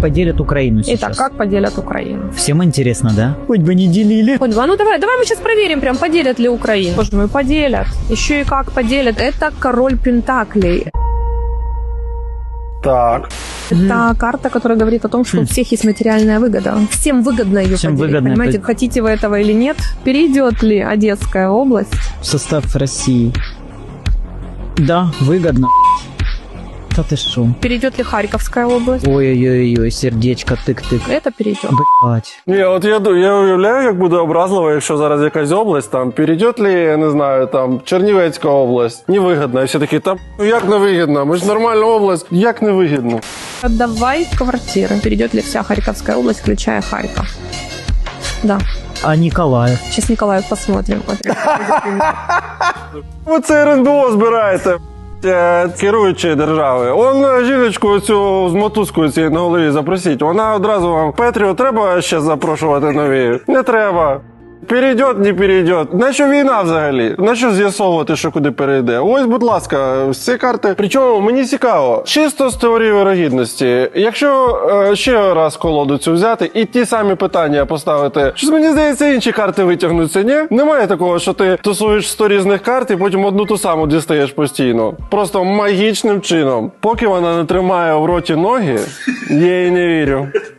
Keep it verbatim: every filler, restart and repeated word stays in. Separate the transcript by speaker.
Speaker 1: поделят Украину сейчас?
Speaker 2: Итак, как поделят Украину?
Speaker 1: Всем интересно, да? Хоть бы не делили.
Speaker 2: Хоть бы, а ну давай, давай мы сейчас проверим, прям поделят ли Украину. Боже мой, поделят. Еще и как поделят. Это король Пентаклей.
Speaker 3: Так.
Speaker 2: Это карта, которая говорит о том, что у всех есть материальная выгода. Всем выгодно ее
Speaker 1: Всем
Speaker 2: поделить,
Speaker 1: выгодно
Speaker 2: понимаете?
Speaker 1: это-
Speaker 2: Хотите вы этого или нет? Перейдет ли Одесская область?
Speaker 1: В состав России. Да, выгодно. Да ты шо?
Speaker 2: Перейдет ли Харьковская область?
Speaker 1: Ой-ой-ой, сердечко, тык-тык.
Speaker 2: Это перейдет.
Speaker 1: Блять.
Speaker 3: Ні, от я, ду- я уявляю, як буде образливо, якщо зараз якась область, там, перейдет ли, я не знаю, там, Чернівецька область, невигідно, і всі такі, там, ну як невигідно, ми ж нормальна область, як невигідно?
Speaker 2: Отдавай квартиры. Перейдет ли вся Харьковская область, включая Харьков? Да.
Speaker 1: А Николаев?
Speaker 2: Сейчас Николаев посмотрим.
Speaker 3: Ви це ер ен бе о збираєте, е, керуючі держави. Он жіночку цю з мотузкою цією на голові запросіть, вона одразу вам, Петрію, треба ще запрошувати нові? Не треба. Перейдет, не перейдет. Нащо війна взагалі? Нащо з'ясовувати, що куди перейде? Ось, будь ласка, всі карти. Причому мені цікаво, чисто з теорії вирогідності, якщо е, ще раз колоду цю взяти і ті самі питання поставити, щось мені здається, інші карти витягнуться, ні? Немає такого, що ти тусуєш сто різних карт і потім одну ту саму дістаєш постійно. Просто магічним чином. Поки вона не тримає в роті ноги, я їй не вірю.